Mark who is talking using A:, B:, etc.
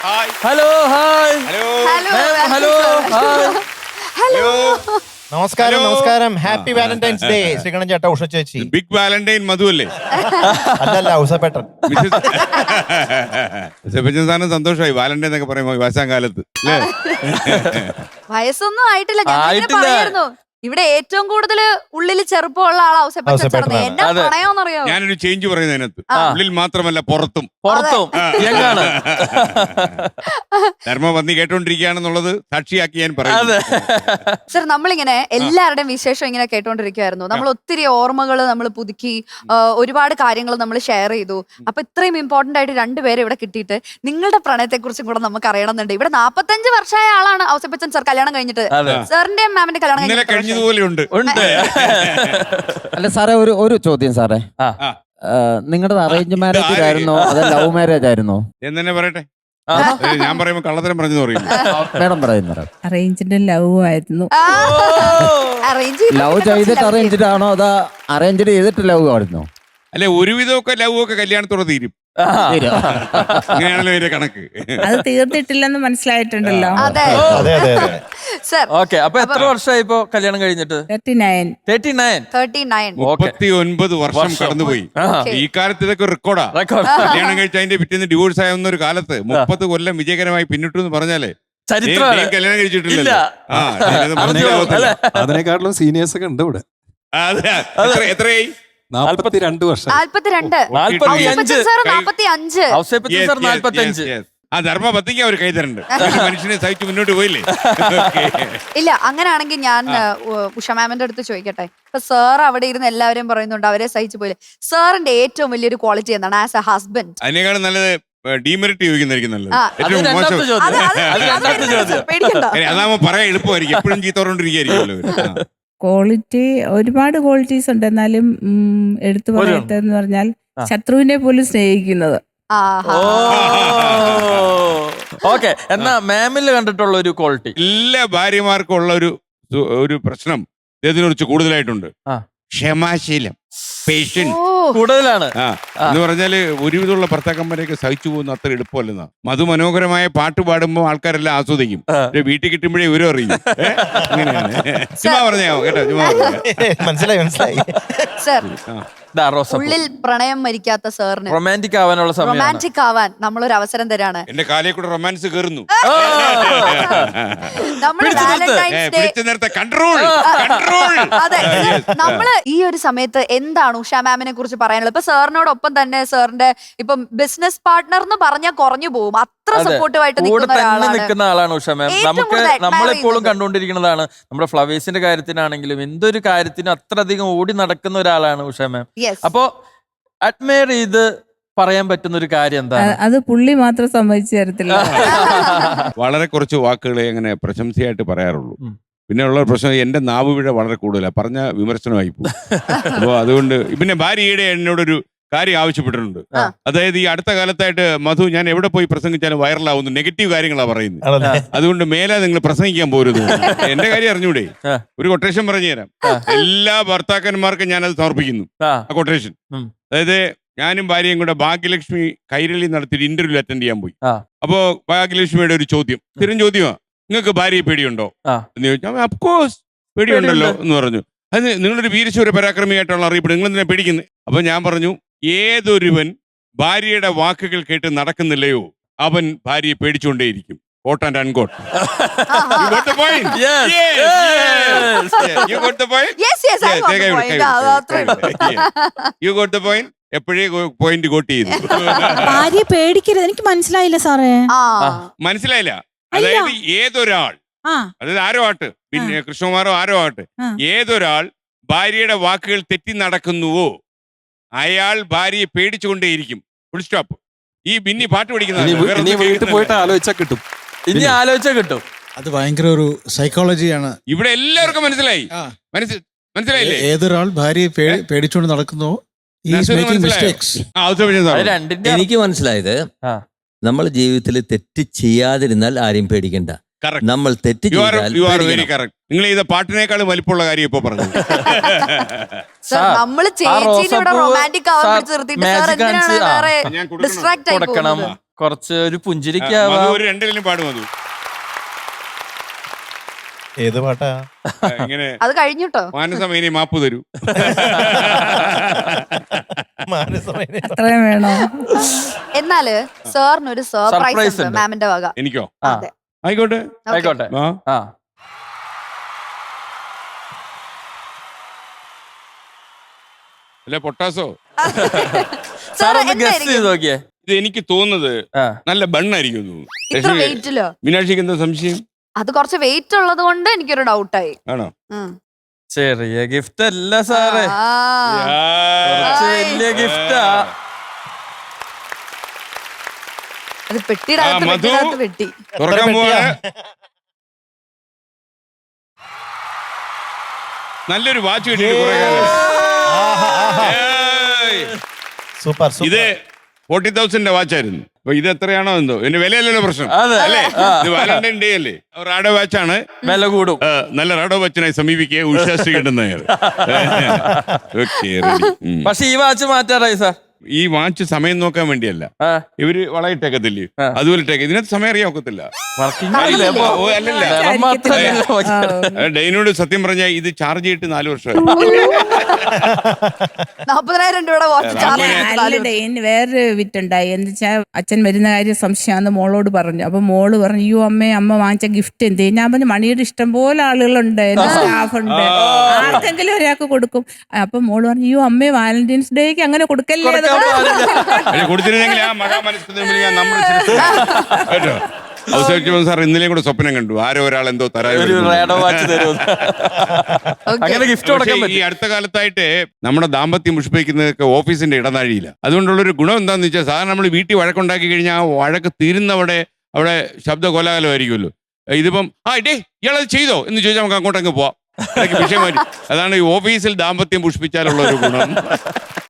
A: Hello hi hello hi
B: hello
C: നമസ്കാരം നമസ്കാരം happy Valentine's day Sreekandan ചേട്ടാ ഉഷ ചേച്ചി
B: ബിഗ് വാലന്റൈൻ മധു അല്ലേ?
C: അല്ലല്ല ഉഷപ്പേട്ടൻ
B: സാറിന് സന്തോഷമായി വാലന്റൈൻ എന്നൊക്കെ പറയുമ്പോ വയസ്സാം കാലത്ത് അല്ലേ?
D: വയസ്സൊന്നും ആയിട്ടില്ല. ഞാൻ
A: ആയിട്ടില്ല.
D: പറയായിരുന്നു ഇവിടെ ഏറ്റവും കൂടുതൽ ഉള്ളിൽ ചെറുപ്പമുള്ള ആളാ ഔസേപ്പച്ചൻ. എന്നെ
A: അതെ.
D: പണയോന്നറിയോ?
B: ഞാനൊരു ചേഞ്ച് പറയുന്നതിനകത്ത് ഉള്ളിൽ മാത്രമല്ല പുറത്തും
A: പുറത്തും എങ്ങാണ്
B: ധർമ്മപന്നി കേട്ടോണ്ടിരിക്കുകയാണെന്നുള്ളത് സാക്ഷിയാക്കി ഞാൻ പറയുന്നു.
A: അതെ
D: സർ, നമ്മളിങ്ങനെ എല്ലാവരുടെയും വിശേഷം ഇങ്ങനെ കേട്ടോണ്ടിരിക്കുവായിരുന്നു. നമ്മൾ ഒത്തിരി ഓർമ്മകൾ നമ്മൾ പുതുക്കി, ഒരുപാട് കാര്യങ്ങൾ നമ്മൾ ഷെയർ ചെയ്തു. അപ്പൊ ഇത്രയും ഇമ്പോർട്ടന്റ് ആയിട്ട് രണ്ടുപേരെ ഇവിടെ കിട്ടിയിട്ട് നിങ്ങളുടെ പ്രണയത്തെ കുറിച്ചും കൂടെ നമുക്ക് അറിയണമെന്നുണ്ട്. ഇവിടെ 45 വർഷമായ ആളാണ് ഔസേപ്പച്ചൻ സർ, കല്യാണം കഴിഞ്ഞിട്ട്.
A: അതെ.
D: സാറിന്റെയും മാമിന്റെ കല്യാണം
B: ഇന്നലെ
D: കഴിഞ്ഞിട്ട്
B: കഴിഞ്ഞതുപോലെ ഉണ്ട്.
A: ഉണ്ട്
E: അല്ല സാറേ, ഒരു ചോദ്യം സാറേ.
A: ആ.
E: നിങ്ങളുടെ അറേഞ്ച് മാരേജ് ആയിരുന്നോ അതോ ലവ് മാരേജ് ആയിരുന്നോ?
B: എന്നെ പറയട്ടെ,
A: ആഹാ.
B: ഞാൻ പറയുമ്പോ കള്ളത്തരം പറഞ്ഞു പറയും.
E: മേഡം പറയുന്നത്
F: അറേഞ്ച്ഡ് ലവ് ആയിരുന്നു.
D: അറേഞ്ച്
E: ലവ് ചെയ്തിട്ട് അറേഞ്ച്ഡ് ആണോ അതോ അറേഞ്ച്ഡ് ചെയ്തിട്ട് ലവ് ആയിരുന്നോ?
B: അല്ലെ, ഒരുവിധമൊക്കെ ലവ് ഒക്കെ കല്യാണത്തോടെ തീരും. ഇങ്ങനെയാണല്ലോ ഇതിന്റെ കണക്ക്.
F: അത് തീർന്നിട്ടില്ലെന്ന് മനസ്സിലായിട്ടുണ്ടല്ലോ.
D: അതെ
C: അതെ അതെ അതെ
D: സർ.
A: ഓക്കെ, അപ്പൊ എത്ര വർഷമായി ഇപ്പൊ കല്യാണം കഴിഞ്ഞിട്ട്?
F: 39.
A: 39.
D: 39.
B: 39 വർഷം കടന്നുപോയി. ഈ കാലത്ത് ഇതൊക്കെ റെക്കോർഡാ.
A: റെക്കോർഡ്.
B: കല്യാണം കഴിച്ച അതിന്റെ പിറ്റേന്ന് ഡിവോഴ്സ് ആവുന്ന ഒരു കാലത്ത് 30 കൊല്ലം വിജയകരമായി പിന്നിട്ടു എന്ന് പറഞ്ഞാലേ
A: ചരിത്രമാണ്.
B: കല്യാണം കഴിച്ചിട്ടില്ല.
A: ഇല്ല.
G: അതിനെക്കാട്ടിലും സീനിയേഴ്സ് ഒക്കെ ഉണ്ട് ഇവിടെ.
B: എത്രയായി?
G: 42 വർഷം.
D: 42.
A: 45.
D: ഔസേപ്പച്ചൻ സർ 45.
A: ഔസേപ്പച്ചൻ സർ 45.
B: ആ ധർമ്മപത്തിക്ക് അവർ കൈതരുന്നുണ്ട്. മനുഷ്യനെ സഹിച്ച് മുന്നോട്ട് പോയില്ലേ?
D: ഇല്ല, അങ്ങനെയാണെങ്കിൽ ഞാൻ ഉഷ മാമിന്റെ അടുത്ത് ചോദിക്കട്ടെ. ഇപ്പൊ സാർ അവിടെ ഇരുന്ന് എല്ലാവരെയും പറയുന്നുണ്ട് അവരെ സഹിച്ചു പോയില്ലേ. സാറിന്റെ ഏറ്റവും വലിയൊരു ക്വാളിറ്റി എന്താണ് ആസ് എ ഹസ്ബൻഡ്?
B: അതിനേക്കാളും നല്ലത് ഡീമെറിറ്റ് ചോദിക്കുന്നതായിരിക്കും നല്ലത്.
D: ആ.
A: അത്
B: ഏറ്റവും
A: രണ്ടാമത്തെ
B: മോശം.
A: ചോദ്യം.
D: അത്
A: അത് രണ്ടാമത്തെ ചോദ്യം.
D: പേടിക്കണ്ട.
B: അതാകുമ്പോ പറയാൻ എളുപ്പമായിരിക്കും. എപ്പോഴും ചീത്ത പറഞ്ഞോണ്ടിരിക്കുകയായിരിക്കുമല്ലോ.
F: ക്വാളിറ്റി ഒരുപാട് ക്വാളിറ്റീസ് ഉണ്ട്. എന്നാലും എടുത്തു പറയട്ടെന്ന് പറഞ്ഞാൽ ശത്രുവിനെ പോലും സ്നേഹിക്കുന്നത്.
D: ആഹാ.
A: ഓക്കെ, എന്നാ മാമിൽ കണ്ടിട്ടുള്ള ഒരു ക്വാളിറ്റി?
B: എല്ലാ ഭാര്യമാർക്കും ഉള്ള ഒരു പ്രശ്നം ഇതിനെ കുറിച്ച് കൂടുതലായിട്ടുണ്ട്.
A: ആ.
B: ക്ഷമാശീലം, പേഷ്യൻസ്.
D: ഓ.
A: കൂടുതലാണ്.
B: എന്ന് പറഞ്ഞാല് ഒരുവിധമുള്ള ഭർത്താക്കന്മാരെയൊക്കെ സഹിച്ചു പോകുന്ന അത്ര എളുപ്പമല്ലെന്നാ. മധുമനോഹരമായ പാട്ട് പാടുമ്പോൾ ആൾക്കാരെല്ലാം ആസ്വദിക്കും. വീട്ടിൽ കിട്ടുമ്പോഴേ ഇവരും അറിയും. അങ്ങനെയാണ്. ചുമ്മാ പറഞ്ഞോ കേട്ടോ, ചുമ്മാ
C: മനസ്സിലായി മനസ്സിലായി.
D: സർ,
A: ദാ റോസപ്പൂ.
D: ഉള്ളിൽ പ്രണയം മരിക്കാത്ത സാറിന്
A: റൊമാൻറ്റിക് ആവാനുള്ള സമയം.
D: റൊമാൻറ്റിക് ആവാൻ നമ്മളൊരു അവസരം തരാണ്.
B: എന്റെ കാലേ കൂടെ റൊമാൻസ് കയറുന്നു.
D: നമ്മൾ വാലന്റൈൻസ് ഡേ.
B: പിടിച്ചു നേരത്തെ കൺട്രോൾ.
D: അതെ, നമ്മള് ഈ ഒരു സമയത്ത് എന്താണ് ഉഷ മാമിനെ കുറിച്ച് പറയാനുള്ളത്? ഇപ്പൊ സാറിനോടൊപ്പം തന്നെ സാറിന്റെ ഇപ്പം ബിസിനസ് പാർട്ട്ണർ എന്ന് പറഞ്ഞാൽ കുറഞ്ഞു പോകും. അത്ര സപ്പോർട്ടീവായിട്ട്
A: കൂടെ
D: നിൽക്കുന്ന
A: തന്നെ
D: ഒരാളാണ്.
A: നിൽക്കുന്ന ആളാണ് ഉഷ മാം.
D: ഏറ്റവും
A: നമുക്ക്
D: കൂടുതൽ admire
A: നമ്മളെപ്പോഴും
D: ചെയ്യുന്നത്.
A: കണ്ടുകൊണ്ടിരിക്കുന്നതാണ്. നമ്മുടെ ഫ്ലവേഴ്സിന്റെ കാര്യത്തിനാണെങ്കിലും എന്തൊരു കാര്യത്തിനും അത്രയധികം ഓടി നടക്കുന്ന ഒരാളാണ് ഉഷ മാം.
D: Yes.
A: അപ്പോ അഡ്മയർ ചെയ്ത് പറയാൻ പറ്റുന്ന ഒരു കാര്യം എന്താണ്?
F: അത് പുള്ളി മാത്രം സമ്മതിച്ചു തരത്തില്ല.
B: വളരെ കുറച്ച് വാക്കുകളെ അങ്ങനെ പ്രശംസയായിട്ട് പറയാറുള്ളൂ.
A: ഉം.
B: പിന്നെ ഉള്ള പ്രശ്നം എന്റെ നാവ് പിഴ വളരെ കൂടുതലാണ്. പറഞ്ഞ വിമർശനമായി പോകും. അപ്പോൾ അതുകൊണ്ട് പിന്നെ ഭാര്യയുടെ എന്നോടൊരു കാര്യം ആവശ്യപ്പെട്ടിട്ടുണ്ട്.
D: ആ.
B: അതായത് ഈ അടുത്ത കാലത്തായിട്ട് മധു, ഞാൻ എവിടെ പോയി പ്രസംഗിച്ചാലും വൈറലാവുന്നു, നെഗറ്റീവ് കാര്യങ്ങളാണ് പറയുന്നത്.
C: ആണല്ലേ?
B: അതുകൊണ്ട് മേലെ നിങ്ങൾ പ്രസംഗിക്കാൻ പോരുത്. എന്റെ കാര്യം അറിഞ്ഞൂടെ?
A: ആ.
B: ഒരു കൊട്ടേഷൻ പറഞ്ഞു തരാം. എല്ലാ ഭർത്താക്കന്മാർക്കും ഞാനത് സമർപ്പിക്കുന്നു.
A: ആ.
B: ആ കൊട്ടേഷൻ.
A: ഉം.
B: അതായത് ഞാനും ഭാര്യയും കൂടെ ഭാഗ്യലക്ഷ്മി കൈരളി നടത്തിയിട്ട് ഇന്റർവ്യൂ അറ്റൻഡ് ചെയ്യാൻ പോയി.
A: ആ.
B: അപ്പോ ഭാഗ്യലക്ഷ്മിയുടെ ഒരു ചോദ്യം, സ്ഥിരം ചോദ്യമാ, നിങ്ങൾക്ക് ഭാര്യയെ പേടിയുണ്ടോ
A: ആ.
B: എന്ന് ചോദിച്ചാൽ അഫ്കോഴ്സ് പേടിയുണ്ടല്ലോ എന്ന് പറഞ്ഞു. അത് നിങ്ങളൊരു വീരശൂര പരാക്രമിയായിട്ടുള്ള അറിയപ്പെടും, നിങ്ങൾ എന്തിനാ പേടിക്കുന്നത്? അപ്പൊ ഞാൻ പറഞ്ഞു, ഏതൊരുവൻ ഭാര്യയുടെ വാക്കുകൾ കേട്ട് നടക്കുന്നില്ലയോ അവൻ ഭാര്യയെ പേടിച്ചുകൊണ്ടേയിരിക്കും. Quote and unquote. You got the point?
A: Yes,
B: Yes,
A: yes.
B: yes. You got the point?
D: Yes, yes, I got the point. അത് അത്രേ ഉള്ളൂ.
B: You got the point? എപ്പോഴേ പോയിന്റ് കോട്ട് ചെയ്തു.
H: ഭാര്യയെ പേടിക്കരുത്. എനിക്ക് മനസ്സിലായില്ല സാറേ.
D: ആ.
B: മനസ്സിലായില്ല? അതായത് ഏതൊരാൾ,
H: ആ
B: അതായത് ആരോ ആട്ട്, പിന്നെ കൃഷ്ണകുമാറോ ആരോ ആട്ട്,
H: ആ.
B: ഏതൊരാൾ ഭാര്യയുടെ വാക്കുകൾ തെറ്റി നടക്കുന്നുവോ അയാൾ ഭാര്യയെ പേടിച്ചുകൊണ്ടേയിരിക്കും. Full stop. ഈ ബിന്നി പാട്ട്
G: ഇനി വീട്ടിൽ പോയിട്ട് ആലോചിച്ചാൽ കിട്ടും.
A: ഇനി ആലോചിച്ചാൽ കിട്ടും.
I: അത് ഭയങ്കര ഒരു സൈക്കോളജിയാണ്.
B: ഇവിടെ എല്ലാവർക്കും മനസ്സിലായി. മനസ്സിലായില്ലേ?
I: ഏതൊരാൾ ഭാര്യയെ പേടിച്ചുകൊണ്ട് നടക്കുന്നോ മിസ്റ്റേക്സ്.
A: അത് രണ്ടിന്റെ
J: എനിക്ക് മനസ്സിലായത്,
A: ആ.
J: നമ്മൾ ജീവിതത്തിൽ തെറ്റ് ചെയ്യാതിരുന്നാൽ ആരെയും പേടിക്കണ്ട.
B: Correct.
J: നമ്മൾ തെറ്റ്
B: You are very
J: ചെയ്താൽ
B: correct. നിങ്ങൾ ചെയ്ത പാട്ടിനേക്കാളും വലിപ്പമുള്ള കാര്യം ഇപ്പൊ പറഞ്ഞു.
D: സർ, നമ്മള് ചേച്ചീനെ ഇവിടെ റൊമാൻറ്റിക് ആവാൻ പിടിച്ച് നിർത്തിയിട്ട് സാർ എന്തിനാണ് വേറെ
B: ഞാൻ
D: ഡിസ്ട്രാക്ട് ആയി
A: കൊടുക്കണം,
D: പോകുന്നത്?
A: കുറച്ച് ഒരു
B: മധു
A: പുഞ്ചിരിക്കാവാം.
B: ഒരു രണ്ടിലും പാടും മധു.
C: ഏത് പാട്ടാ?
B: ഇങ്ങനെ
D: അത് കഴിഞ്ഞിട്ടോ.
B: മാനസമേനി മാപ്പ് തരൂ.
C: മാനസമേനി.
F: അത്രയും വേണോ?
D: എന്നാല് സാറിനൊരു സർപ്രൈസ്
A: Surprise
D: ഉണ്ട്
A: ഉണ്ട്.
D: മാമിന്റെ വക.
B: എനിക്കോ?
A: ആ,
D: അതെ.
B: ആയിക്കോട്ടെ.
D: Okay.
A: ആയിക്കോട്ടെ.
B: ആ
A: ആ
B: അല്ലെ പൊട്ടാസോ?
A: സാർ ഒന്ന് ഗസ്
D: എന്തായിരിക്കും?
A: ചെയ്ത് നോക്കിയേ.
B: ഇത് എനിക്ക് തോന്നുന്നത്
A: ആ
B: നല്ല ബണ്ണായിരിക്കും തോന്നുന്നു.
D: ഇത്ര വെയിറ്റിലോ?
B: മീനാക്ഷിക്ക് എന്താ സംശയം?
D: അത് കുറച്ച് വെയിറ്റ് ഉള്ളത് കൊണ്ട് എനിക്കൊരു ഡൗട്ടായി.
B: ആണോ?
A: ചെറിയ ഗിഫ്റ്റ് അല്ല സാറേ, കുറച്ച് വലിയ ഗിഫ്റ്റാ.
D: അത് പെട്ടിയുടെ അകത്ത്
B: മധു.
D: പെട്ടിയുടെ അകത്ത് പെട്ടി.
B: തുറക്കാൻ പോവാണ്. നല്ലൊരു വാച്ച് കിട്ടിയിട്ട് കുറെ കാലം. ഏയ്.
C: സൂപ്പർ
B: ഇത്
C: സൂപ്പർ.
B: 40,000 വാച്ചായിരുന്നു. അപ്പൊ ഇത് എത്രയാണോ എന്തോ, എന്റെ വിലയല്ലല്ലോ പ്രശ്നം
A: അതെ
B: അല്ലേ?
A: ആ,
B: ഇത് വാലന്റൈൻ ഡേ അല്ലേ? റാഡോ വാച്ചാണ്.
A: വില കൂടും.
B: നല്ല റാഡോ വാച്ചിനായി സമീപിക്കുക. ഉഷാശ്രീ കിട്ടുന്ന
A: പക്ഷെ ഈ വാച്ച് മാറ്റാറായി സാർ.
B: ഈ വാച്ച് സമയം നോക്കാൻ വേണ്ടിയല്ല,
A: ആ,
B: ഇവര് വളയിട്ടേക്കത്തില്ലേ,
A: ആ.
B: അതുപോലെ ഇട്ടേക്ക്. ഇതിനകത്ത് സമയം അറിയാൻ ഒക്കത്തില്ല.
A: വർക്കിംഗ് ആയില്ലേ അപ്പൊ?
B: ഓ, അല്ലല്ല.
A: നിറം മാത്രമല്ല നോക്കിയത്.
B: ഡൈനോട് സത്യം പറഞ്ഞാൽ ഇത് ചാർജ് ചെയ്തിട്ട് 4 വർഷം.
D: 40,000 രൂപയുടെ വാച്ച് ചാർജ്
F: അല്ല, ഡെയിന് വേറൊരു വിറ്റുണ്ടായി. എന്ന് വെച്ചാൽ അച്ഛൻ വരുന്ന കാര്യം സംശയമാണെന്ന് മോളോട് പറഞ്ഞു. അപ്പൊ മോള് പറഞ്ഞു, അയ്യോ അമ്മ വാങ്ങിച്ച ഗിഫ്റ്റ് എന്ത്? ഞാൻ പറഞ്ഞു, മണിയുടെ ഇഷ്ടം പോലെ ആളുകളുണ്ട്, എന്റെ സ്റ്റാഫ് ഉണ്ട്, ആർക്കെങ്കിലും ഒരാൾക്ക് കൊടുക്കും. അപ്പൊ മോള് പറഞ്ഞു, അയ്യോ അമ്മേ വാലന്റൈൻസ് ഡേക്ക് അങ്ങനെ കൊടുക്കല്ലേ. അത്
B: കൊടുത്തിരുന്നെങ്കിൽ ആ മഹാമനസ്കൃതി ഞാൻ നമ്മൾ കേട്ടോ. അവസാനിച്ചപ്പോൾ സാർ ഇന്നലെയും കൂടെ സ്വപ്നം കണ്ടു, ആരോ ഒരാൾ എന്തോ
A: ഒരു റേഡോ വാച്ച് തരും. അങ്ങനെ ഗിഫ്റ്റ് കൊടുക്കാൻ
B: ഈ
A: പറ്റും.
B: അടുത്ത കാലത്തായിട്ട് നമ്മുടെ ദാമ്പത്യം പുഷ്പിക്കുന്നതൊക്കെ ഓഫീസിന്റെ ഇടനാഴിയില്ല. അതുകൊണ്ടുള്ളൊരു ഗുണം എന്താണെന്ന് വെച്ചാൽ, സാധാരണ നമ്മൾ വീട്ടിൽ വഴക്കുണ്ടാക്കി കഴിഞ്ഞാൽ ആ വഴക്ക് തീരുന്നവിടെ അവിടെ ശബ്ദ കോലാഹലമായിരിക്കുമല്ലോ. ഇതിപ്പം ഇയാളത് ചെയ്തോ എന്ന് ചോദിച്ചാൽ നമുക്ക് അങ്ങോട്ടങ്ങ് പോവാം. വിഷയം മാറ്റി. അതാണ് ഈ ഓഫീസിൽ ദാമ്പത്യം പുഷ്പിച്ചാലുള്ള ഒരു ഗുണം.